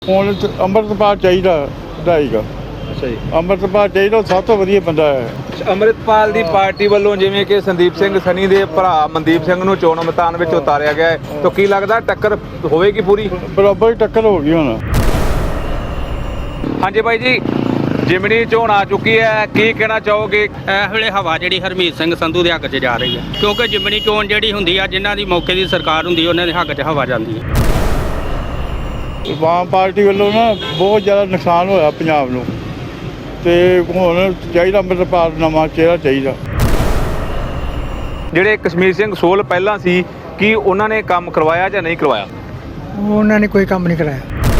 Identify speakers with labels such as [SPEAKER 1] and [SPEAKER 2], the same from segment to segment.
[SPEAKER 1] ਹੁਣ ਅੰਮ੍ਰਿਤਪਾਲ ਚਾਹੀਦਾ ਵਧਾਈਗਾ।
[SPEAKER 2] ਅੱਛਾ ਜੀ।
[SPEAKER 1] ਅੰਮ੍ਰਿਤਪਾਲ ਚਾਹੀਦਾ, ਉਹ ਸਭ ਤੋਂ ਵਧੀਆ ਬੰਦਾ ਹੈ।
[SPEAKER 2] ਅੰਮ੍ਰਿਤਪਾਲ ਦੀ ਪਾਰਟੀ ਵੱਲੋਂ ਜਿਵੇਂ ਕਿ ਸੰਦੀਪ ਸਿੰਘ ਸਨੀ ਦੇ ਭਰਾ ਮਨਦੀਪ ਸਿੰਘ ਨੂੰ ਚੋਣ ਮੈਦਾਨ ਵਿੱਚ ਉਤਾਰਿਆ ਗਿਆ ਹੈ, ਤਾਂ ਕੀ ਲੱਗਦਾ ਟੱਕਰ ਹੋਵੇਗੀ ਪੂਰੀ?
[SPEAKER 1] ਬਰਾਬਰ ਹੀ ਟੱਕਰ ਹੋ ਗਈ ਹੁਣ।
[SPEAKER 2] ਹਾਂਜੀ ਬਾਈ ਜੀ, ਜਿਮਣੀ ਚੋਣ ਆ ਚੁੱਕੀ ਹੈ, ਕੀ ਕਹਿਣਾ ਚਾਹੋਗੇ?
[SPEAKER 3] ਇਸ ਵੇਲੇ ਹਵਾ ਜਿਹੜੀ ਹਰਮੀਤ ਸਿੰਘ ਸੰਧੂ ਦੇ ਹੱਕ 'ਚ ਜਾ ਰਹੀ ਹੈ, ਕਿਉਂਕਿ ਜਿਮਣੀ ਚੋਣ ਜਿਹੜੀ ਹੁੰਦੀ ਆ, ਜਿਨ੍ਹਾਂ ਦੀ ਮੌਕੇ ਦੀ ਸਰਕਾਰ ਹੁੰਦੀ ਉਹਨਾਂ ਦੇ ਹੱਕ 'ਚ ਹਵਾ ਜਾਂਦੀ ਹੈ।
[SPEAKER 1] ਆਮ ਪਾਰਟੀ ਵੱਲੋਂ ਨਾ ਬਹੁਤ ਜ਼ਿਆਦਾ ਨੁਕਸਾਨ ਹੋਇਆ ਪੰਜਾਬ ਨੂੰ, ਤੇ ਹੁਣ ਚਾਹੀਦਾ ਅੰਮ੍ਰਿਤਪਾਲ ਨਵਾਂ ਚਿਹਰਾ ਚਾਹੀਦਾ।
[SPEAKER 2] ਜਿਹੜੇ ਕਸ਼ਮੀਰ ਸਿੰਘ ਸੋਲ ਪਹਿਲਾਂ ਸੀ, ਕੀ ਉਹਨਾਂ ਨੇ ਕੰਮ ਕਰਵਾਇਆ ਜਾਂ ਨਹੀਂ ਕਰਵਾਇਆ?
[SPEAKER 4] ਉਹਨਾਂ ਨੇ ਕੋਈ ਕੰਮ ਨਹੀਂ ਕਰਾਇਆ।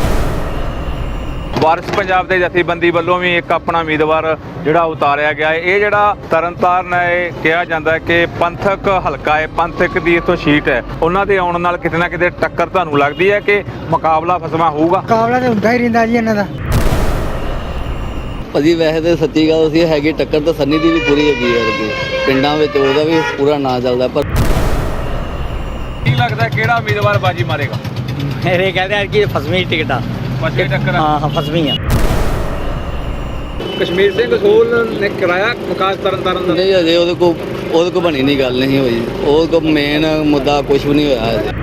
[SPEAKER 2] ਵਾਰਿਸ ਪੰਜਾਬ ਦੇ ਜਥੇਬੰਦੀ ਵੱਲੋਂ ਵੀ ਇੱਕ ਆਪਣਾ ਉਮੀਦਵਾਰ ਜਿਹੜਾ ਉਤਾਰਿਆ ਗਿਆ ਹੈ। ਇਹ ਜਿਹੜਾ ਤਰਨਤਾਰਨ ਹੈ, ਇਹ ਕਿਹਾ ਜਾਂਦਾ ਹੈ ਕਿ ਪੰਥਕ ਹਲਕਾ ਹੈ, ਪੰਥਕ ਦੀ ਇੱਥੋਂ ਸੀਟ ਹੈ। ਉਹਨਾਂ ਦੇ ਆਉਣ ਨਾਲ ਕਿਤੇ ਨਾ ਕਿਤੇ ਟੱਕਰ ਤੁਹਾਨੂੰ ਲੱਗਦੀ ਹੈ ਕਿ ਮੁਕਾਬਲਾ ਫਸਵਾਂ ਹੋਊਗਾ?
[SPEAKER 4] ਮੁਕਾਬਲਾ ਤਾਂ ਹੁੰਦਾ ਹੀ ਰਹਿੰਦਾ ਜੀ ਇਹਨਾਂ ਦਾ।
[SPEAKER 5] ਭਾਜੀ ਵੈਸੇ ਤਾਂ ਸੱਚੀ ਗੱਲ ਸੀ, ਹੈਗੀ ਟੱਕਰ ਤਾਂ ਸੰਨੀ ਦੀ ਵੀ ਪੂਰੀ ਹੈਗੀ ਹੈ। ਪਿੰਡਾਂ ਵਿੱਚ ਉਹਦਾ ਵੀ ਪੂਰਾ ਨਾਂ ਚੱਲਦਾ। ਪਰ
[SPEAKER 2] ਕੀ ਲੱਗਦਾ ਕਿਹੜਾ ਉਮੀਦਵਾਰ ਬਾਜੀ ਮਾਰੇਗਾ?
[SPEAKER 6] ਮੇਰੇ ਕਹਿੰਦੇ ਆ ਕਿ ਫਸਵੀਂ ਟਿਕਟ ਆ।
[SPEAKER 2] ਫਸਵੀਂ ਟੱਕਰ
[SPEAKER 6] ਹਾਂ ਫਸਵੀਂ ਆ।
[SPEAKER 2] ਕਸ਼ਮੀਰ ਸਿੰਘ ਸੋਲ ਨੇ ਕਰਾਇਆ ਵਿਕਾਸ ਤਰਨਤਾਰਨ ਦਾ?
[SPEAKER 5] ਨਹੀਂ ਅਜੇ ਉਹਦੇ ਕੋ ਬਣੀ ਨਹੀਂ, ਗੱਲ ਨਹੀਂ ਹੋਈ। ਉਹਦੇ ਕੋ ਮੇਨ ਮੁੱਦਾ ਕੁਝ ਵੀ ਨਹੀਂ ਹੋਇਆ ਅਜੇ।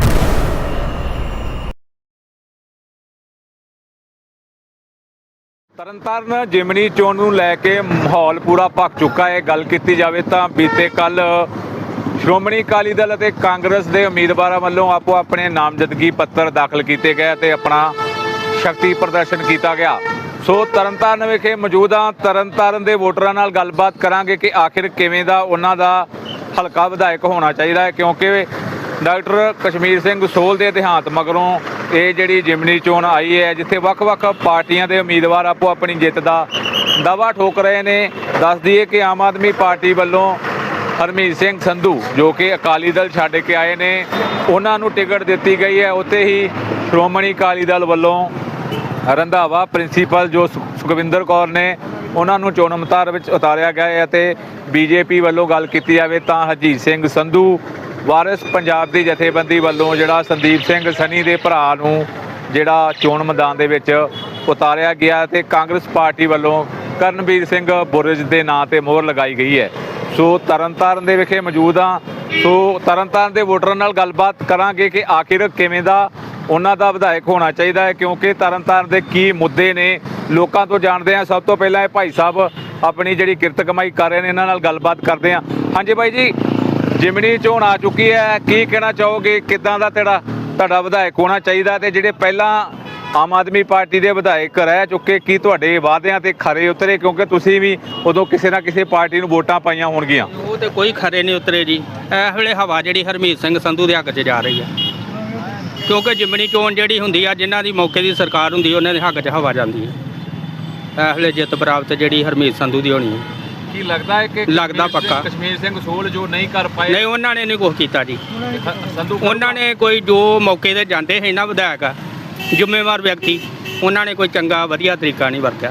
[SPEAKER 2] ਤਰਨਤਾਰਨ ਜਿਮਣੀ ਚੋਣ ਨੂੰ ਲੈ ਕੇ ਮਾਹੌਲ ਪੂਰਾ ਭਖ ਚੁੱਕਾ ਹੈ। ਗੱਲ ਕੀਤੀ ਜਾਵੇ ਤਾਂ ਬੀਤੇ ਕੱਲ ਸ਼੍ਰੋਮਣੀ ਅਕਾਲੀ ਦਲ ਅਤੇ ਕਾਂਗਰਸ ਦੇ ਉਮੀਦਵਾਰਾਂ ਵੱਲੋਂ ਆਪੋ ਆਪਣੇ ਨਾਮਜ਼ਦਗੀ ਪੱਤਰ ਦਾਖਲ ਕੀਤੇ ਗਏ ਤੇ ਆਪਣਾ ਸ਼ਕਤੀ ਪ੍ਰਦਰਸ਼ਨ ਕੀਤਾ ਗਿਆ। ਸੋ ਤਰਨਤਾਰਨ ਵਿਖੇ ਮੌਜੂਦ ਹਾਂ। ਤਰਨਤਾਰਨ ਦੇ ਵੋਟਰਾਂ ਨਾਲ ਗੱਲਬਾਤ ਕਰਾਂਗੇ ਕਿ ਆਖਿਰ ਕਿਵੇਂ ਦਾ ਉਹਨਾਂ ਦਾ ਹਲਕਾ ਵਿਧਾਇਕ ਹੋਣਾ ਚਾਹੀਦਾ ਹੈ, ਕਿਉਂਕਿ ਡਾਕਟਰ ਕਸ਼ਮੀਰ ਸਿੰਘ ਸੋਲ ਦੇ ਦੇਹਾਂਤ ਮਗਰੋਂ ਇਹ ਜਿਹੜੀ ਜਿਮਣੀ ਚੋਣ ਆਈ ਹੈ, ਜਿੱਥੇ ਵੱਖ-ਵੱਖ ਪਾਰਟੀਆਂ ਦੇ ਉਮੀਦਵਾਰ ਆਪੋ ਆਪਣੀ ਜਿੱਤ ਦਾ ਦਾਅਵਾ ਠੋਕ ਰਹੇ ਨੇ। ਦੱਸ ਦਈਏ ਕਿ ਆਮ ਆਦਮੀ ਪਾਰਟੀ ਵੱਲੋਂ ਹਰਮੀਤ ਸਿੰਘ ਸੰਧੂ ਜੋ ਕਿ ਅਕਾਲੀ ਦਲ ਛੱਡ ਕੇ ਆਏ ਨੇ, ਉਹਨਾਂ ਨੂੰ ਟਿਕਟ ਦਿੱਤੀ ਗਈ ਹੈ। ਉੱਥੇ ਹੀ ਸ਼੍ਰੋਮਣੀ ਅਕਾਲੀ ਦਲ ਵੱਲੋਂ ਰੰਧਾਵਾ ਪ੍ਰਿੰਸੀਪਲ ਜੋ ਸੁਖਵਿੰਦਰ ਕੌਰ ਨੇ, ਉਹਨਾਂ ਨੂੰ ਚੋਣ ਮੈਦਾਨ ਵਿੱਚ ਉਤਾਰਿਆ ਗਿਆ ਹੈ। ਅਤੇ ਬੀਜੇਪੀ ਵੱਲੋਂ ਗੱਲ ਕੀਤੀ ਜਾਵੇ ਤਾਂ ਹਰਜੀਤ ਸਿੰਘ ਸੰਧੂ, ਵਾਰਿਸ ਪੰਜਾਬ ਦੀ ਜਥੇਬੰਦੀ ਵੱਲੋਂ ਜਿਹੜਾ ਸੰਦੀਪ ਸਿੰਘ ਸਨੀ ਦੇ ਭਰਾ ਨੂੰ ਜਿਹੜਾ ਚੋਣ ਮੈਦਾਨ ਦੇ ਵਿੱਚ ਉਤਾਰਿਆ ਗਿਆ, ਤੇ ਕਾਂਗਰਸ ਪਾਰਟੀ ਵੱਲੋਂ ਕਰਨਵੀਰ ਸਿੰਘ ਬੁਰਜ ਦੇ ਨਾਂ ਤੇ ਮੋਹਰ ਲਗਾਈ ਗਈ ਹੈ। ਸੋ ਤਰਨਤਾਰਨ ਦੇ ਵਿਖੇ ਮੌਜੂਦ ਹਾਂ। ਸੋ ਤਰਨਤਾਰਨ ਦੇ ਵੋਟਰਾਂ ਨਾਲ ਗੱਲਬਾਤ ਕਰਾਂਗੇ ਕਿ ਆਖਿਰ ਕਿਵੇਂ ਦਾ ਉਹਨਾਂ ਦਾ ਵਿਧਾਇਕ ਹੋਣਾ ਚਾਹੀਦਾ ਹੈ, ਕਿਉਂਕਿ ਤਰਨਤਾਰਨ ਦੇ ਕੀ ਮੁੱਦੇ ਨੇ ਲੋਕਾਂ ਤੋਂ ਜਾਣਦੇ ਹਾਂ। ਸਭ ਤੋਂ ਪਹਿਲਾਂ ਇਹ ਭਾਈ ਸਾਹਿਬ ਆਪਣੀ ਜਿਹੜੀ ਕਿਰਤ ਕਮਾਈ ਕਰ ਰਹੇ ਨੇ, ਇਹਨਾਂ ਨਾਲ ਗੱਲਬਾਤ ਕਰਦੇ ਹਾਂ। ਹਾਂਜੀ ਬਾਈ ਜੀ, ਜਿਮਣੀ ਚੋਣ ਆ ਚੁੱਕੀ ਹੈ, ਕੀ ਕਹਿਣਾ ਚਾਹੋਗੇ? ਕਿੱਦਾਂ ਦਾ ਤੁਹਾਡਾ ਵਿਧਾਇਕ ਹੋਣਾ ਚਾਹੀਦਾ? ਤੇ ਜਿਹੜੇ ਪਹਿਲਾਂ ਆਮ ਆਦਮੀ ਪਾਰਟੀ ਦੇ ਵਿਧਾਇਕ ਰਹਿ ਚੁੱਕੇ, ਕੀ ਤੁਹਾਡੇ ਵਾਅਦਿਆਂ ਤੇ ਖਰੇ ਉਤਰੇ? ਕਿਉਂਕਿ ਤੁਸੀਂ ਵੀ ਉਦੋਂ ਕਿਸੇ ਨਾ ਕਿਸੇ ਪਾਰਟੀ ਨੂੰ ਵੋਟਾਂ ਪਾਈਆਂ ਹੋਣਗੀਆਂ।
[SPEAKER 3] ਉਹ ਤੇ ਕੋਈ ਖਰੇ ਨਹੀਂ ਉਤਰੇ ਜੀ। ਇਸ ਵੇਲੇ ਹਵਾ ਜਿਹੜੀ ਹਰਮੀਤ ਸਿੰਘ ਸੰਧੂ ਦੇ ਹੱਕ 'ਚ ਜਾ ਰਹੀ ਹੈ, ਕਿਉਂਕਿ ਜਿਮਣੀ ਚੋਣ ਜਿਹੜੀ ਹੁੰਦੀ ਆ, ਜਿਨ੍ਹਾਂ ਦੀ ਮੌਕੇ ਦੀ ਸਰਕਾਰ ਹੁੰਦੀ ਉਹਨਾਂ ਦੇ ਹੱਕ 'ਚ ਹਵਾ ਜਾਂਦੀ ਹੈ। ਇਸ ਵੇਲੇ ਜਿੱਤ ਪ੍ਰਾਪਤ ਜਿਹੜੀ ਹਰਮੀਤ ਸੰਧੂ ਦੀ ਹੋਣੀ ਹੈ।
[SPEAKER 2] ਕੀ ਲੱਗਦਾ ਹੈ ਕਿ
[SPEAKER 3] ਲੱਗਦਾ ਪੱਕਾ
[SPEAKER 2] ਕਸ਼ਮੀਰ ਸਿੰਘ ਸੋਲ ਜੋ ਨਹੀਂ ਕਰ ਪਾਏ?
[SPEAKER 3] ਨਹੀਂ, ਉਹਨਾਂ ਨੇ ਨਹੀਂ ਕੁਛ ਕੀਤਾ ਜੀ।
[SPEAKER 2] ਸੰਧੂ
[SPEAKER 3] ਉਹਨਾਂ ਨੇ ਕੋਈ ਜੋ ਮੌਕੇ ਤੇ ਜਾਂਦੇ ਸੀ ਨਾ ਵਿਧਾਇਕ ਜ਼ਿੰਮੇਵਾਰ ਵਿਅਕਤੀ, ਉਹਨਾਂ ਨੇ ਕੋਈ ਚੰਗਾ ਵਧੀਆ ਤਰੀਕਾ ਨਹੀਂ ਵਰਤਿਆ।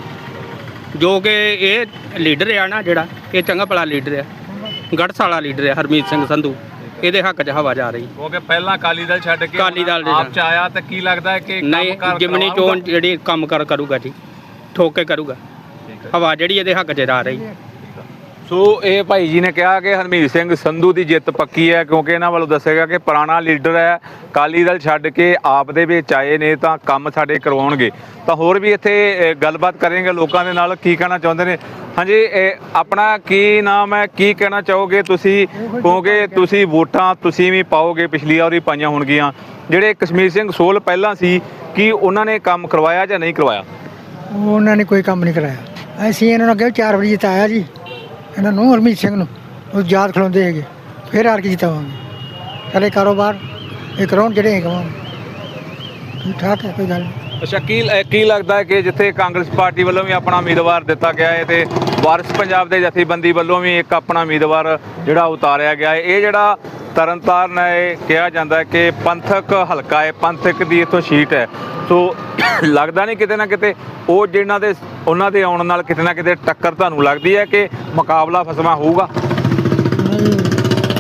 [SPEAKER 3] ਜੋ ਕਿ ਇਹ ਲੀਡਰ ਆ ਨਾ, ਜਿਹੜਾ ਇਹ ਚੰਗਾ ਭਲਾ ਲੀਡਰ ਆ, ਗੜ੍ਹਸ ਵਾਲਾ ਲੀਡਰ ਆ ਹਰਮੀਤ ਸਿੰਘ ਸੰਧੂ, ਇਹਦੇ ਹੱਕ 'ਚ ਹਵਾ ਜਾ ਰਹੀ।
[SPEAKER 2] ਕਿਉਂਕਿ ਪਹਿਲਾਂ ਅਕਾਲੀ ਦਲ ਛੱਡ ਕੇ
[SPEAKER 3] ਅਕਾਲੀ ਦਲ
[SPEAKER 2] ਆਪ 'ਚ ਆਇਆ, ਤਾਂ ਕੀ ਲੱਗਦਾ ਹੈ ਕਿ
[SPEAKER 3] ਨਹੀਂ, ਜਿਮਣੀ ਚੋਣ ਜਿਹੜੀ ਕੰਮ ਕਰੂਗਾ ਜੀ, ਠੋਕ ਕੇ ਕਰੂਗਾ। ਹਵਾ ਜਿਹੜੀ ਇਹਦੇ ਹੱਕ 'ਚ ਜਾ ਰਹੀ।
[SPEAKER 2] ਸੋ ਇਹ ਭਾਈ ਜੀ ਨੇ ਕਿਹਾ ਕਿ ਹਰਮੀਤ ਸਿੰਘ ਸੰਧੂ ਦੀ ਜਿੱਤ ਪੱਕੀ ਹੈ, ਕਿਉਂਕਿ ਇਹਨਾਂ ਵੱਲੋਂ ਦੱਸਿਆ ਗਿਆ ਕਿ ਪੁਰਾਣਾ ਲੀਡਰ ਹੈ, ਅਕਾਲੀ ਦਲ ਛੱਡ ਕੇ ਆਪ ਦੇ ਵਿੱਚ ਆਏ ਨੇ, ਤਾਂ ਕੰਮ ਸਾਡੇ ਕਰਵਾਉਣਗੇ। ਤਾਂ ਹੋਰ ਵੀ ਇੱਥੇ ਗੱਲਬਾਤ ਕਰਾਂਗੇ ਲੋਕਾਂ ਦੇ ਨਾਲ, ਕੀ ਕਹਿਣਾ ਚਾਹੁੰਦੇ ਨੇ। ਹਾਂਜੀ, ਆਪਣਾ ਕੀ ਨਾਮ ਹੈ, ਕੀ ਕਹਿਣਾ ਚਾਹੋਗੇ ਤੁਸੀਂ? ਕਿਉਂਕਿ ਤੁਸੀਂ ਵੋਟਾਂ ਤੁਸੀਂ ਵੀ ਪਾਓਗੇ, ਪਿਛਲੀ ਵਾਰ ਵੀ ਪਾਈਆਂ ਹੋਣਗੀਆਂ। ਜਿਹੜੇ ਕਸ਼ਮੀਰ ਸਿੰਘ ਸੋਲ ਪਹਿਲਾਂ ਸੀ, ਕੀ ਉਹਨਾਂ ਨੇ ਕੰਮ ਕਰਵਾਇਆ ਜਾਂ ਨਹੀਂ ਕਰਵਾਇਆ?
[SPEAKER 4] ਉਹਨਾਂ ਨੇ ਕੋਈ ਕੰਮ ਨਹੀਂ ਕਰਾਇਆ। ਅਸੀਂ ਇਹਨਾਂ ਨੂੰ ਅੱਗੇ 4 ਵਾਰੀ ਜਿਤਾਇਆ ਜੀ, ਇਹਨਾਂ ਨੂੰ ਹਰਮੀਤ ਸਿੰਘ ਨੂੰ। ਉਹ ਯਾਦ ਖਿਲਾਉਂਦੇ ਹੈਗੇ, ਫਿਰ ਹਾਰ ਕੇ ਜਿਤਾਵਾਂਗੇ। ਸਾਰੇ ਕਾਰੋਬਾਰ ਇਹ ਕਰਾਉਣ ਜਿਹੜੇ ਕਰਾਉਣ। ਠੀਕ ਠਾਕ ਹੈ, ਕੋਈ ਗੱਲ ਨਹੀਂ।
[SPEAKER 2] ਅੱਛਾ, ਕੀ ਲੱਗਦਾ ਹੈ ਕਿ ਜਿੱਥੇ ਕਾਂਗਰਸ ਪਾਰਟੀ ਵੱਲੋਂ ਵੀ ਆਪਣਾ ਉਮੀਦਵਾਰ ਦਿੱਤਾ ਗਿਆ ਹੈ, ਤੇ ਵਾਰਿਸ ਪੰਜਾਬ ਦੇ ਜਥੇਬੰਦੀ ਵੱਲੋਂ ਵੀ ਇੱਕ ਆਪਣਾ ਉਮੀਦਵਾਰ ਜਿਹੜਾ ਉਤਾਰਿਆ ਗਿਆ ਹੈ, ਇਹ ਜਿਹੜਾ ਤਰਨਤਾਰਨ ਹੈ, ਇਹ ਕਿਹਾ ਜਾਂਦਾ ਹੈ ਕਿ ਪੰਥਕ ਹਲਕਾ ਹੈ, ਪੰਥਕ ਦੀ ਇੱਥੋਂ ਸੀਟ ਹੈ। ਸੋ ਲੱਗਦਾ ਨਹੀਂ ਕਿਤੇ ਨਾ ਕਿਤੇ ਉਹ ਜਿਹਨਾਂ ਦੇ ਉਹਨਾਂ ਦੇ ਆਉਣ ਨਾਲ ਕਿਤੇ ਨਾ ਕਿਤੇ ਟੱਕਰ ਤੁਹਾਨੂੰ ਲੱਗਦੀ ਹੈ ਕਿ ਮੁਕਾਬਲਾ ਫਸਵਾਂ ਹੋਊਗਾ?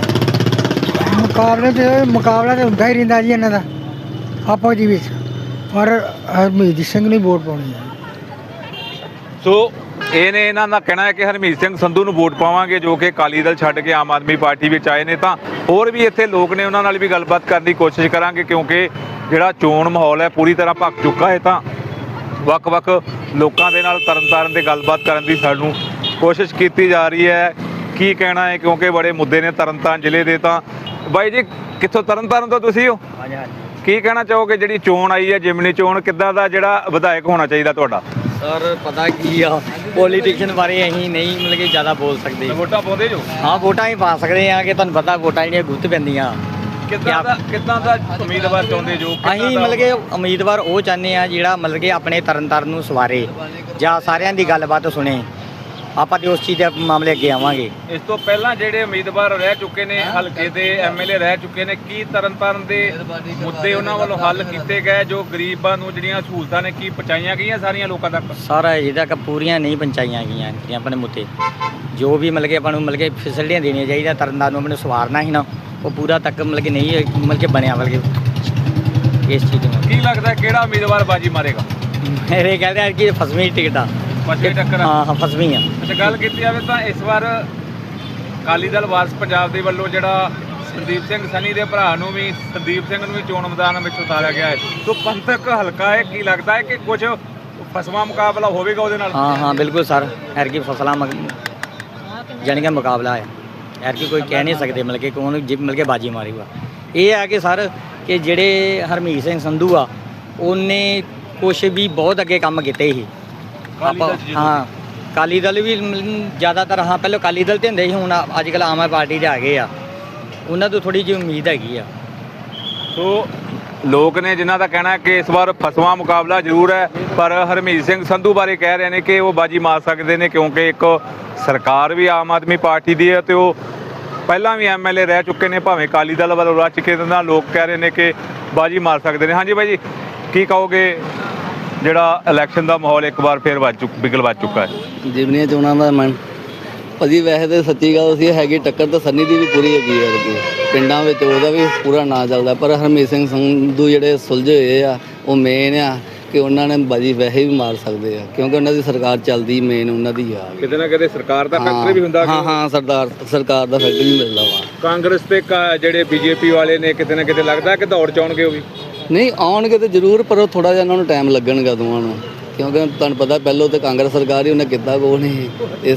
[SPEAKER 4] ਮੁਕਾਬਲਾ ਤਾਂ ਹੁੰਦਾ ਹੀ ਰਹਿੰਦਾ ਜੀ ਇਹਨਾਂ ਦਾ ਆਪੋ ਜੀ ਵਿੱਚ। ਪਰ ਹਰਮੀਤ ਸਿੰਘ ਨੂੰ ਵੋਟ ਪਾਉਣੀ ਹੈ।
[SPEAKER 2] ਸੋ ਇਹਨਾਂ ਦਾ ਕਹਿਣਾ ਹੈ ਕਿ ਹਰਮੀਤ ਸਿੰਘ ਸੰਧੂ ਨੂੰ ਵੋਟ ਪਾਵਾਂਗੇ, ਜੋ ਕਿ ਅਕਾਲੀ ਦਲ ਛੱਡ ਕੇ ਆਮ ਆਦਮੀ ਪਾਰਟੀ ਵਿੱਚ ਆਏ ਨੇ। ਤਾਂ ਹੋਰ ਵੀ ਇੱਥੇ ਲੋਕ ਨੇ, ਉਹਨਾਂ ਨਾਲ ਵੀ ਗੱਲਬਾਤ ਕਰਨ ਦੀ ਕੋਸ਼ਿਸ਼ ਕਰਾਂਗੇ, ਕਿਉਂਕਿ ਜਿਹੜਾ ਚੋਣ ਮਾਹੌਲ ਹੈ ਪੂਰੀ ਤਰ੍ਹਾਂ ਭਖ ਚੁੱਕਾ ਹੈ। ਤਾਂ ਵੱਖ-ਵੱਖ ਲੋਕਾਂ ਦੇ ਨਾਲ ਤਰਨਤਾਰਨ 'ਤੇ ਗੱਲਬਾਤ ਕਰਨ ਦੀ ਸਾਨੂੰ ਕੋਸ਼ਿਸ਼ ਕੀਤੀ ਜਾ ਰਹੀ ਹੈ। ਕੀ ਕਹਿਣਾ ਹੈ, ਕਿਉਂਕਿ ਬੜੇ ਮੁੱਦੇ ਨੇ ਤਰਨਤਾਰਨ ਜ਼ਿਲ੍ਹੇ ਦੇ। ਤਾਂ ਬਾਈ ਜੀ, ਕਿੱਥੋਂ ਤਰਨਤਾਰਨ ਤੋਂ ਤੁਸੀਂ ਹੋ?
[SPEAKER 6] ਹਾਂਜੀ ਹਾਂਜੀ
[SPEAKER 2] ਕੀ ਕਹਿਣਾ ਚਾਹੋਗੇ, ਜਿਹੜੀ ਚੋਣ ਆਈ ਹੈ ਜਿਮਨੀ ਚੋਣ, ਕਿੱਦਾਂ ਦਾ ਜਿਹੜਾ ਵਿਧਾਇਕ ਹੋਣਾ ਚਾਹੀਦਾ ਤੁਹਾਡਾ?
[SPEAKER 6] ਸਰ ਪਤਾ ਕੀ ਆ, ਪੋਲੀਟੀਸ਼ਨ ਬਾਰੇ ਅਸੀਂ ਨਹੀਂ ਮਤਲਬ ਕਿ ਜ਼ਿਆਦਾ ਬੋਲ ਸਕਦੇ।
[SPEAKER 2] ਵੋਟਾਂ ਪਾਉਂਦੇ ਜੋ?
[SPEAKER 6] ਹਾਂ ਵੋਟਾਂ ਹੀ ਪਾ ਸਕਦੇ ਆ, ਕਿ ਤੁਹਾਨੂੰ ਪਤਾ ਵੋਟਾਂ ਜਿਹੜੀਆਂ ਗੁੱਤ ਪੈਂਦੀਆਂ।
[SPEAKER 2] ਕਿੱਦਾਂ ਦਾ ਉਮੀਦਵਾਰ ਚਾਹੁੰਦੇ ਜੋ?
[SPEAKER 6] ਅਸੀਂ ਮਤਲਬ ਕਿ ਉਮੀਦਵਾਰ ਉਹ ਚਾਹੁੰਦੇ ਆ ਜਿਹੜਾ ਮਤਲਬ ਕਿ ਆਪਣੇ ਤਰਨਤਾਰਨ ਨੂੰ ਸਵਾਰੇ ਜਾਂ ਸਾਰਿਆਂ ਦੀ ਗੱਲਬਾਤ ਸੁਣੇ। ਆਪਾਂ ਤੇ ਉਸ ਚੀਜ਼ ਦੇ ਮਾਮਲੇ ਅੱਗੇ ਆਵਾਂਗੇ।
[SPEAKER 2] ਇਸ ਤੋਂ ਪਹਿਲਾਂ ਜਿਹੜੇ ਉਮੀਦਵਾਰ ਰਹਿ ਚੁੱਕੇ ਨੇ, ਹਲਕੇ ਦੇ ਐਮਐਲਏ ਰਹਿ ਚੁੱਕੇ ਨੇ, ਕੀ ਤਰਨਤਾਰਨ ਦੇ ਮੁੱਦੇ ਉਹਨਾਂ ਵੱਲੋਂ ਹੱਲ ਕੀਤੇ ਗਏ? ਜੋ ਗਰੀਬਾਂ ਨੂੰ ਜਿਹੜੀਆਂ ਸਹੂਲਤਾਂ ਨੇ, ਕੀ ਪਹੁੰਚਾਈਆਂ ਗਈਆਂ ਸਾਰੀਆਂ ਲੋਕਾਂ ਤੱਕ?
[SPEAKER 6] ਸਾਰਾ ਅਜੇ ਤੱਕ ਪੂਰੀਆਂ ਨਹੀਂ ਪਹੁੰਚਾਈਆਂ ਗਈਆਂ ਜਿਹੜੀਆਂ ਆਪਣੇ ਮੁੱਦੇ। ਜੋ ਵੀ ਮਤਲਬ ਕਿ ਆਪਾਂ ਨੂੰ ਮਤਲਬ ਕਿ ਫੈਸਿਲਿਟੀਆਂ ਦੇਣੀਆਂ ਚਾਹੀਦੀਆਂ, ਤਰਨਤਾਰਨ ਨੂੰ ਆਪਣੇ ਸਵਾਰਨਾ ਸੀ ਨਾ, ਉਹ ਪੂਰਾ ਤੱਕ ਮਤਲਬ ਕਿ ਨਹੀਂ ਮਤਲਬ ਕਿ ਬਣਿਆ। ਮਤਲਬ ਕਿ ਇਸ ਚੀਜ਼ ਨੂੰ
[SPEAKER 2] ਕੀ ਲੱਗਦਾ ਕਿਹੜਾ ਉਮੀਦਵਾਰ ਬਾਜੀ ਮਾਰੇਗਾ?
[SPEAKER 6] ਮੇਰੇ ਕਹਿੰਦੇ ਆ ਕਿ ਫਸਵੀਂ ਟਿਕਟ ਆ।
[SPEAKER 2] ਫਸਵੀਂ ਟੱਕਰ?
[SPEAKER 6] ਹਾਂ ਫਸਵੀਂ ਆ।
[SPEAKER 2] ਅੱਛਾ, ਗੱਲ ਕੀਤੀ ਜਾਵੇ ਤਾਂ ਇਸ ਵਾਰ ਅਕਾਲੀ ਦਲ ਵਾਰਸ ਪੰਜਾਬ ਦੇ ਵੱਲੋਂ ਜਿਹੜਾ ਸੰਦੀਪ ਸਿੰਘ ਸਨੀ ਦੇ ਭਰਾ ਨੂੰ ਵੀ, ਸੰਦੀਪ ਸਿੰਘ ਨੂੰ ਵੀ ਚੋਣ ਮੈਦਾਨ ਵਿੱਚ ਉਤਾਰਿਆ ਗਿਆ ਹੈ। ਸੋ ਪੰਥਕ ਹਲਕਾ ਹੈ, ਕੀ ਲੱਗਦਾ ਹੈ ਕਿ ਕੁਝ ਫਸਵਾਂ ਮੁਕਾਬਲਾ ਹੋਵੇਗਾ ਉਹਦੇ ਨਾਲ?
[SPEAKER 6] ਹਾਂ ਬਿਲਕੁਲ ਸਰ, ਐਰਕੀ ਫਸਲਾਂ ਜਾਣੀ ਕਿ ਮੁਕਾਬਲਾ ਹੈ। ਐਰਕੀ ਕੋਈ ਕਹਿ ਨਹੀਂ ਸਕਦੇ ਮਤਲਬ ਕਿ ਕੌਣ ਮਤਲਬ ਕਿ ਬਾਜੀ ਮਾਰੇਗਾ। ਇਹ ਹੈ ਕਿ ਸਰ ਕਿ ਜਿਹੜੇ ਹਰਮੀਤ ਸਿੰਘ ਸੰਧੂ ਆ, ਉਹਨੇ ਕੁਛ ਵੀ ਬਹੁਤ ਅੱਗੇ ਕੰਮ ਕੀਤੇ ਸੀ। ਆਪਾਂ ਹਾਂ ਅਕਾਲੀ ਦਲ ਵੀ ਜ਼ਿਆਦਾਤਰ, ਹਾਂ ਪਹਿਲਾਂ ਅਕਾਲੀ ਦਲ ਤੇ ਹੁੰਦੇ ਸੀ, ਹੁਣ ਅੱਜ ਕੱਲ੍ਹ ਆਮ ਆਦਮੀ ਪਾਰਟੀ 'ਤੇ ਆ ਗਏ ਆ। ਉਹਨਾਂ ਤੋਂ ਥੋੜ੍ਹੀ ਜਿਹੀ ਉਮੀਦ ਹੈਗੀ ਆ।
[SPEAKER 2] ਸੋ ਲੋਕ ਨੇ ਜਿਨ੍ਹਾਂ ਦਾ ਕਹਿਣਾ ਹੈ ਕਿ ਇਸ ਵਾਰ ਫਸਵਾਂ ਮੁਕਾਬਲਾ ਜ਼ਰੂਰ ਹੈ, ਪਰ ਹਰਮੀਤ ਸਿੰਘ ਸੰਧੂ ਬਾਰੇ ਕਹਿ ਰਹੇ ਨੇ ਕਿ ਉਹ ਬਾਜੀ ਮਾਰ ਸਕਦੇ ਨੇ, ਕਿਉਂਕਿ ਇੱਕ ਸਰਕਾਰ ਵੀ ਆਮ ਆਦਮੀ ਪਾਰਟੀ ਦੀ ਹੈ ਤੇ ਉਹ ਪਹਿਲਾਂ ਵੀ ਐਮਐਲਏ ਰਹਿ ਚੁੱਕੇ ਨੇ, ਭਾਵੇਂ ਅਕਾਲੀ ਦਲ ਵੱਲੋਂ ਰਹਿ ਚੁੱਕੇ ਨੇ। ਨਾਲ ਲੋਕ ਕਹਿ ਰਹੇ ਨੇ ਕਿ ਬਾਜੀ ਮਾਰ ਸਕਦੇ ਨੇ। ਹਾਂਜੀ ਬਾਈ ਜੀ, ਕੀ ਕਹੋਗੇ, ਜਿਹੜਾ ਇਲੈਕਸ਼ਨ ਦਾ ਮਾਹੌਲ ਇੱਕ ਵਾਰ ਫਿਰ ਬਿਗਲ ਵੱਜ ਚੁੱਕਾ ਹੈ?
[SPEAKER 5] ਜਿਮਨੀਆਂ ਚੋਣਾਂ ਦਾ ਮਨ ਭਾਜੀ, ਵੈਸੇ ਤਾਂ ਸੱਚੀ ਗੱਲ ਸੀ ਹੈਗੀ ਟੱਕਰ ਤਾਂ ਸੰਨੀ ਦੀ ਵੀ ਪੂਰੀ ਹੈਗੀ ਹੈ ਕਿ ਪਿੰਡਾਂ ਵਿੱਚ ਉਹਦਾ ਵੀ ਪੂਰਾ ਨਾਂ ਚੱਲਦਾ। ਪਰ ਹਰਮੀਤ ਸਿੰਘ ਸੰਧੂ ਜਿਹੜੇ ਸੁਲਝੇ ਹੋਏ ਆ, ਉਹ ਮੇਨ ਆ ਕਿ ਉਹਨਾਂ ਨੇ ਬਾਜੀ ਵੈਸੇ ਵੀ ਮਾਰ ਸਕਦੇ ਆ, ਕਿਉਂਕਿ ਉਹਨਾਂ ਦੀ ਸਰਕਾਰ ਚੱਲਦੀ ਮੇਨ ਉਹਨਾਂ ਦੀ ਆ।
[SPEAKER 2] ਕਿਤੇ ਨਾ ਕਿਤੇ ਸਰਕਾਰ ਦਾ ਫੈਕਟਰ ਵੀ ਹੁੰਦਾ।
[SPEAKER 5] ਹਾਂ ਸਰਕਾਰ ਦਾ ਫੈਕਟਰ ਵੀ ਮਿਲਦਾ ਵਾ।
[SPEAKER 2] ਕਾਂਗਰਸ ਤੇ ਜਿਹੜੇ ਬੀਜੇਪੀ ਵਾਲੇ ਨੇ, ਕਿਤੇ ਨਾ ਕਿਤੇ ਲੱਗਦਾ ਕਿ ਦੌੜ ਚਾਉਣਗੇ ਉਹ ਵੀ?
[SPEAKER 5] ਨਹੀਂ ਆਉਣਗੇ ਤਾਂ ਜ਼ਰੂਰ, ਪਰ ਉਹ ਥੋੜ੍ਹਾ ਜਿਹਾ ਉਹਨਾਂ ਨੂੰ ਟਾਈਮ ਲੱਗਣਗਾ ਦੋਵਾਂ ਨੂੰ, ਕਿਉਂਕਿ ਤੁਹਾਨੂੰ ਪਤਾ ਪਹਿਲਾਂ ਤਾਂ ਕਾਂਗਰਸ ਸਰਕਾਰ ਹੀ ਉਹਨੇ ਕੀਤਾ ਕੋ ਨਹੀਂ। ਇਸ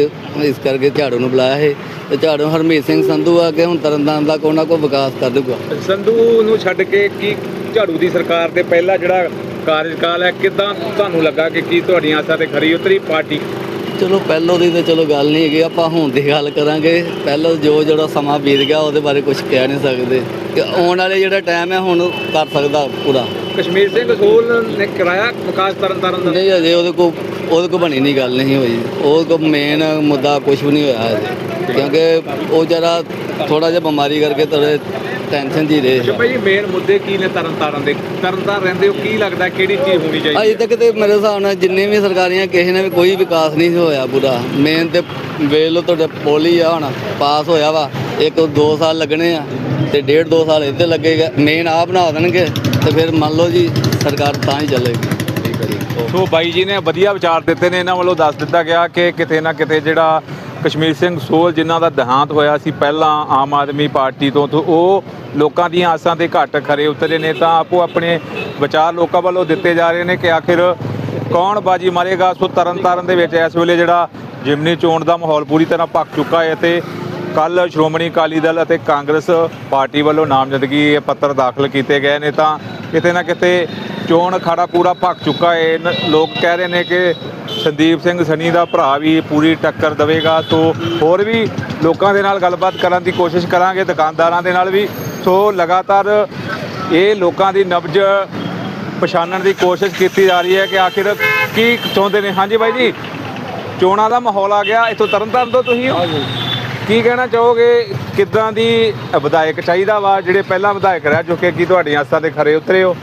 [SPEAKER 5] ਕਰਕੇ ਝਾੜੂ ਨੂੰ ਬੁਲਾਇਆ ਹੈ ਤੇ ਝਾੜੂ ਹਰਮੀਤ ਸਿੰਘ ਸੰਧੂ ਆ ਕੇ ਹੁਣ ਤਰਨਤਾਰਨ ਦਾ ਕੋਈ ਨਾ ਕੋਈ ਵਿਕਾਸ ਕਰ ਦੂਗਾ।
[SPEAKER 2] ਸੰਧੂ ਨੂੰ ਛੱਡ ਕੇ ਕੀ ਝਾੜੂ ਦੀ ਸਰਕਾਰ ਦੇ ਪਹਿਲਾ ਜਿਹੜਾ ਕਾਰਜਕਾਲ ਹੈ, ਕਿੱਦਾਂ ਤੁਹਾਨੂੰ ਲੱਗਾ ਕਿ ਕੀ ਤੁਹਾਡੀਆਂ ਆਸਾਂ ਤੇ ਖਰੀ ਉਤਰੀ ਪਾਰਟੀ?
[SPEAKER 5] ਚਲੋ ਪਹਿਲੋਂ ਦੀ ਤਾਂ ਚਲੋ ਗੱਲ ਨਹੀਂ ਹੈਗੀ, ਆਪਾਂ ਹੁਣ ਦੀ ਗੱਲ ਕਰਾਂਗੇ। ਪਹਿਲਾਂ ਜਿਹੜਾ ਸਮਾਂ ਬੀਤ ਗਿਆ ਉਹਦੇ ਬਾਰੇ ਕੁਝ ਕਹਿ ਨਹੀਂ ਸਕਦੇ, ਕਿ ਆਉਣ ਵਾਲੇ ਜਿਹੜਾ ਟਾਈਮ ਹੈ ਹੁਣ ਕਰ ਸਕਦਾ ਪੂਰਾ।
[SPEAKER 2] ਕਸ਼ਮੀਰ ਸਿੰਘ ਸੋਲ ਨੇ ਕਰਾਇਆ ਵਿਕਾਸ ਤਰਨਤਾਰਨ ਦਾ?
[SPEAKER 5] ਨਹੀਂ ਅਜੇ ਉਹਦੇ ਕੋਲ ਬਣੀ ਨਹੀਂ ਗੱਲ ਨਹੀਂ ਹੋਈ। ਉਹਦੇ ਕੋਲ ਮੇਨ ਮੁੱਦਾ ਕੁਝ ਵੀ ਨਹੀਂ ਹੋਇਆ ਅਜੇ, ਕਿਉਂਕਿ ਉਹ ਜਰਾ ਥੋੜਾ ਜਿਹਾ ਬਿਮਾਰੀ ਕਰਕੇ ਥੋੜੇ ਟੈਨਸ਼ਨ ਜੀ ਰਹੇ।
[SPEAKER 2] ਅੱਛਾ ਭਾਈ ਜੀ, ਮੇਨ ਮੁੱਦੇ ਕੀ ਨੇ ਤਰਨਤਾਰਨ ਦੇ? ਤਰਨਤਾਰਨ ਰਹਿੰਦੇ ਹੋ, ਕੀ ਲੱਗਦਾ ਕਿਹੜੀ ਚੀਜ਼ ਹੋਣੀ ਚਾਹੀਦੀ?
[SPEAKER 5] ਅਜੇ ਤੱਕ ਤੇ ਮੇਰੇ ਹਿਸਾਬ ਨਾਲ ਜਿੰਨੇ ਵੀ ਸਰਕਾਰੀਆਂ ਕਿਸੇ ਨੇ ਵੀ ਕੋਈ ਵਿਕਾਸ ਨਹੀਂ ਹੋਇਆ ਪੂਰਾ। ਮੇਨ ਤੇ ਵੇਖ ਲਓ ਤੁਹਾਡੇ ਪੁਲ ਹੀ ਆ, ਹੁਣ ਪਾਸ ਹੋਇਆ ਵਾ, 1-2 ਸਾਲ ਲੱਗਣੇ ਆ ਤੇ 1.5-2 ਸਾਲ ਇੱਥੇ ਲੱਗੇਗਾ। ਮੇਨ ਆ ਬਣਾ ਦੇਣਗੇ ਤੇ ਫਿਰ ਮੰਨ ਲਓ ਜੀ ਸਰਕਾਰ ਤਾਂ ਹੀ ਚੱਲੇਗੀ। ਠੀਕ ਹੈ ਜੀ।
[SPEAKER 2] ਸੋ ਬਾਈ ਜੀ ਨੇ ਵਧੀਆ ਵਿਚਾਰ ਦਿੱਤੇ ਨੇ। ਇਹਨਾਂ ਵੱਲੋਂ ਦੱਸ ਦਿੱਤਾ ਗਿਆ ਕਿ ਕਿਤੇ ਨਾ ਕਿਤੇ ਜਿਹੜਾ ਕਸ਼ਮੀਰ ਸਿੰਘ ਸੋਲ, ਜਿਨ੍ਹਾਂ ਦਾ ਦੇਹਾਂਤ ਹੋਇਆ ਸੀ ਪਹਿਲਾਂ ਆਮ ਆਦਮੀ ਪਾਰਟੀ ਤੋਂ, ਉਹ ਲੋਕਾਂ ਦੀਆਂ ਆਸਾਂ ਤੇ ਘੱਟ ਖਰੇ ਉਤਰੇ ਨੇ। ਤਾਂ ਆਪੋ ਆਪਣੇ ਵਿਚਾਰ ਲੋਕਾਂ ਵੱਲੋਂ ਦਿੱਤੇ ਜਾ ਰਹੇ ਨੇ ਕਿ ਆਖਿਰ ਕੌਣ ਬਾਜੀ ਮਾਰੇਗਾ। ਸੋ ਤਰਨਤਾਰਨ ਦੇ ਵਿੱਚ ਇਸ ਵੇਲੇ ਜਿਹੜਾ ਜਿਮਨੀ ਚੋਣ ਦਾ ਮਾਹੌਲ ਪੂਰੀ ਤਰ੍ਹਾਂ ਭਖ ਚੁੱਕਾ ਹੈ ਤੇ ਕੱਲ੍ਹ ਸ਼੍ਰੋਮਣੀ ਅਕਾਲੀ ਦਲ ਅਤੇ ਕਾਂਗਰਸ ਪਾਰਟੀ ਵੱਲੋਂ ਨਾਮਜ਼ਦਗੀ ਪੱਤਰ ਦਾਖਲ ਕੀਤੇ ਗਏ ਨੇ। ਤਾਂ ਕਿਤੇ ਨਾ ਕਿਤੇ ਚੋਣ ਅਖਾੜਾ ਪੂਰਾ ਭਖ ਚੁੱਕਾ ਹੈ। ਲੋਕ ਕਹਿ ਰਹੇ ਨੇ ਕਿ ਸੰਦੀਪ ਸਿੰਘ ਸਨੀ ਦਾ ਭਰਾ ਵੀ ਪੂਰੀ ਟੱਕਰ ਦੇਵੇਗਾ। ਸੋ ਹੋਰ ਵੀ ਲੋਕਾਂ ਦੇ ਨਾਲ ਗੱਲਬਾਤ ਕਰਨ ਦੀ ਕੋਸ਼ਿਸ਼ ਕਰਾਂਗੇ, ਦੁਕਾਨਦਾਰਾਂ ਦੇ ਨਾਲ ਵੀ। ਸੋ ਲਗਾਤਾਰ ਇਹ ਲੋਕਾਂ ਦੀ ਨਬਜ਼ ਪਛਾਣਨ ਦੀ ਕੋਸ਼ਿਸ਼ ਕੀਤੀ ਜਾ ਰਹੀ ਹੈ ਕਿ ਆਖਿਰ ਕੀ ਚਾਹੁੰਦੇ ਨੇ। ਹਾਂਜੀ ਬਾਈ ਜੀ, ਚੋਣਾਂ ਦਾ ਮਾਹੌਲ ਆ ਗਿਆ, ਇੱਥੋਂ ਤਰਨਤਾਰਨ ਤੋਂ ਤੁਸੀਂ ਹੋ, ਕੀ ਕਹਿਣਾ ਚਾਹੋਗੇ? ਕਿੱਦਾਂ ਦੀ ਵਿਧਾਇਕ ਚਾਹੀਦਾ ਵਾ? ਜਿਹੜੇ ਪਹਿਲਾਂ ਵਿਧਾਇਕ ਰਹਿ ਚੁੱਕੇ, ਕੀ ਤੁਹਾਡੀਆਂ ਆਸਾਂ ਤੇ ਖਰੇ ਉਤਰੇ ਹੋ?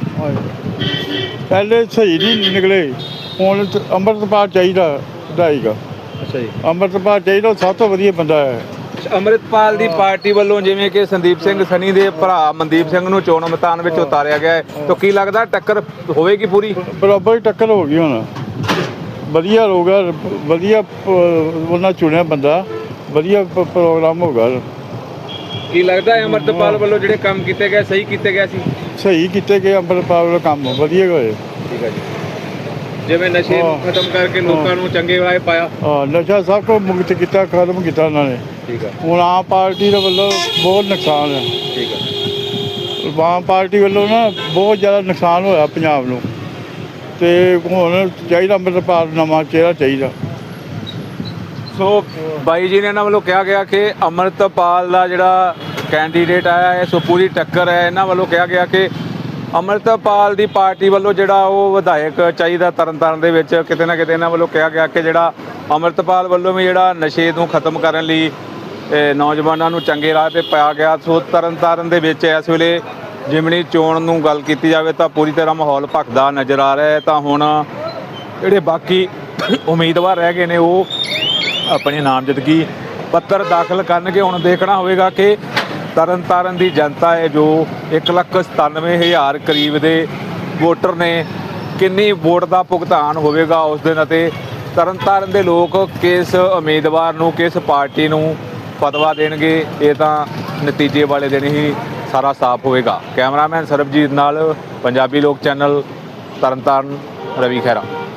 [SPEAKER 1] ਪਹਿਲੇ ਸਹੀ ਨਹੀਂ ਨਿਕਲੇ, ਹੁਣ ਅੰਮ੍ਰਿਤਪਾਲ ਚਾਹੀਦਾ ਵਿਧਾਇਕ।
[SPEAKER 2] ਅੱਛਾ ਜੀ।
[SPEAKER 1] ਅੰਮ੍ਰਿਤਪਾਲ ਚਾਹੀਦਾ, ਉਹ ਸਭ ਤੋਂ ਵਧੀਆ ਬੰਦਾ ਹੈ।
[SPEAKER 2] ਅੰਮ੍ਰਿਤਪਾਲ ਦੀ ਪਾਰਟੀ ਵੱਲੋਂ ਜਿਵੇਂ ਕਿ ਸੰਦੀਪ ਸਿੰਘ ਸਨੀ ਦੇ ਭਰਾ ਮਨਦੀਪ ਸਿੰਘ ਨੂੰ ਚੋਣ ਮੈਦਾਨ ਵਿੱਚ ਉਤਾਰਿਆ ਗਿਆ ਹੈ, ਤਾਂ ਕੀ ਲੱਗਦਾ ਟੱਕਰ ਹੋਵੇਗੀ ਪੂਰੀ?
[SPEAKER 1] ਬਰਾਬਰ ਹੀ ਟੱਕਰ ਹੋ ਗਈ ਹੁਣ। ਵਧੀਆ ਹੋਊਗਾ, ਵਧੀਆ ਉਹਨਾਂ ਚੁਣਿਆ ਬੰਦਾ, ਵਧੀਆ ਪ੍ਰੋਗਰਾਮ ਹੋਗਾ।
[SPEAKER 2] ਕੀ ਲੱਗਦਾ ਹੈ ਅੰਮ੍ਰਿਤਪਾਲ ਵੱਲੋਂ ਜਿਹੜੇ ਕੰਮ ਕੀਤੇ ਗਏ ਸਹੀ ਕੀਤੇ ਗਏ ਸੀ?
[SPEAKER 1] ਸਹੀ ਕੀਤੇ ਗਏ, ਅੰਮ੍ਰਿਤਪਾਲ ਵਾਲਾ ਕੰਮ ਵਧੀਆ ਹੋਏ।
[SPEAKER 2] ਠੀਕ ਹੈ ਜੀ, ਜਿਵੇਂ ਨਸ਼ੇ ਨੂੰ ਖਤਮ ਕਰਕੇ ਲੋਕਾਂ ਨੂੰ ਚੰਗੇ ਰਾਹ ਪਾਇਆ।
[SPEAKER 1] ਨਸ਼ਾ ਸਭ ਕੁਝ ਮੁਕਤ ਕੀਤਾ, ਖਤਮ ਕੀਤਾ ਉਹਨਾਂ ਨੇ।
[SPEAKER 2] ਠੀਕ ਹੈ,
[SPEAKER 1] ਹੁਣ ਆਮ ਪਾਰਟੀ ਦੇ ਵੱਲੋਂ ਬਹੁਤ ਨੁਕਸਾਨ ਹੈ।
[SPEAKER 2] ਠੀਕ ਹੈ,
[SPEAKER 1] ਆਮ ਪਾਰਟੀ ਵੱਲੋਂ ਨਾ ਬਹੁਤ ਜ਼ਿਆਦਾ ਨੁਕਸਾਨ ਹੋਇਆ ਪੰਜਾਬ ਨੂੰ, ਤੇ ਹੁਣ ਚਾਹੀਦਾ ਅੰਮ੍ਰਿਤਪਾਲ ਨਵਾਂ ਚਿਹਰਾ ਚਾਹੀਦਾ।
[SPEAKER 2] ਸੋ ਬਾਈ ਜੀ ਨੇ ਇਹਨਾਂ ਵੱਲੋਂ ਕਿਹਾ ਗਿਆ ਕਿ ਅੰਮ੍ਰਿਤਪਾਲ ਦਾ ਜਿਹੜਾ ਕੈਂਡੀਡੇਟ ਆਇਆ ਹੈ ਸੋ ਪੂਰੀ ਟੱਕਰ ਹੈ। ਇਹਨਾਂ ਵੱਲੋਂ ਕਿਹਾ ਗਿਆ ਕਿ ਅੰਮ੍ਰਿਤਪਾਲ ਦੀ ਪਾਰਟੀ ਵੱਲੋਂ ਜਿਹੜਾ ਉਹ ਵਿਧਾਇਕ ਚਾਹੀਦਾ ਤਰਨਤਾਰਨ ਦੇ ਵਿੱਚ। ਕਿਤੇ ਨਾ ਕਿਤੇ ਇਹਨਾਂ ਵੱਲੋਂ ਕਿਹਾ ਗਿਆ ਕਿ ਜਿਹੜਾ ਅੰਮ੍ਰਿਤਪਾਲ ਵੱਲੋਂ ਵੀ ਜਿਹੜਾ ਨਸ਼ੇ ਨੂੰ ਖਤਮ ਕਰਨ ਲਈ ਨੌਜਵਾਨਾਂ ਨੂੰ ਚੰਗੇ ਰਾਹ 'ਤੇ ਪਾਇਆ ਗਿਆ। ਸੋ ਤਰਨਤਾਰਨ ਦੇ ਵਿੱਚ ਇਸ ਵੇਲੇ ਜਿਮਣੀ ਚੋਣ ਨੂੰ ਗੱਲ ਕੀਤੀ ਜਾਵੇ ਤਾਂ ਪੂਰੀ ਤਰ੍ਹਾਂ ਮਾਹੌਲ ਭਖਦਾ ਨਜ਼ਰ ਆ ਰਿਹਾ ਹੈ। ਤਾਂ ਹੁਣ ਜਿਹੜੇ ਬਾਕੀ ਉਮੀਦਵਾਰ ਰਹਿ ਗਏ ਨੇ ਉਹ ਆਪਣੇ ਨਾਮਜ਼ਦਗੀ ਪੱਤਰ ਦਾਖਲ ਕਰਨਗੇ। ਹੁਣ ਦੇਖਣਾ ਹੋਵੇਗਾ ਕਿ ਤਰਨਤਾਰਨ ਦੀ ਜਨਤਾ ਹੈ ਜੋ 1,97,000 ਕਰੀਬ ਦੇ ਵੋਟਰ ਨੇ, ਕਿੰਨੀ ਵੋਟ ਦਾ ਭੁਗਤਾਨ ਹੋਵੇਗਾ ਉਸ ਦਿਨ, ਅਤੇ ਤਰਨਤਾਰਨ ਦੇ ਲੋਕ ਕਿਸ ਉਮੀਦਵਾਰ ਨੂੰ, ਕਿਸ ਪਾਰਟੀ ਨੂੰ ਫਤਵਾ ਦੇਣਗੇ, ਇਹ ਤਾਂ ਨਤੀਜੇ ਵਾਲੇ ਦਿਨ ਹੀ ਸਾਰਾ ਸਾਫ਼ ਹੋਵੇਗਾ। ਕੈਮਰਾਮੈਨ ਸਰਬਜੀਤ ਨਾਲ ਪੰਜਾਬੀ ਲੋਕ ਚੈਨਲ ਤਰਨਤਾਰਨ, ਰਵੀ ਖਹਿਰਾ।